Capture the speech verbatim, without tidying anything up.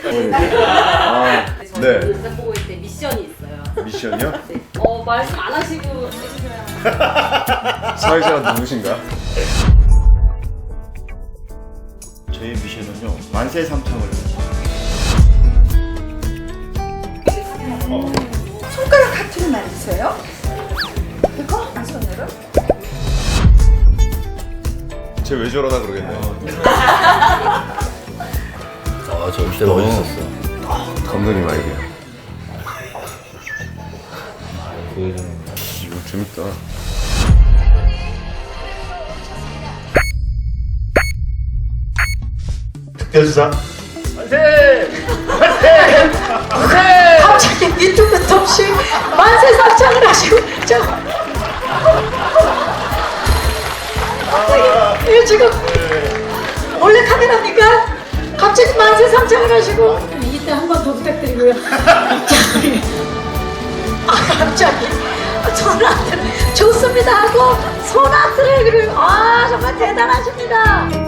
아, 네. 저는 네. 보고 있을 때 미션이 있어요. 미션이요? 네. 어 말씀 안 하시고 해주셔야. 사회자가 누구신가? 저희 미션은요 만세 삼창을 손가락 하트를 만드세요? 이거? 한 손으로? 쟤 왜 저러나 그러겠네요. 아저 입대 멋있었어. 감독님 아이디어. 보여주는 이거 재밌다. 특별수사 갑자기 밑도 끝도 없이 만세 삼창을 하시고 저 갑자기 이거 지금 몰래 카메라입니까? 갑자기 만세 삼창을 하시고 이때 한 번 더 부탁드리고요. 갑자기 아 갑자기 손아트 좋습니다 하고 손아트를 그리고 아 정말 대단하십니다.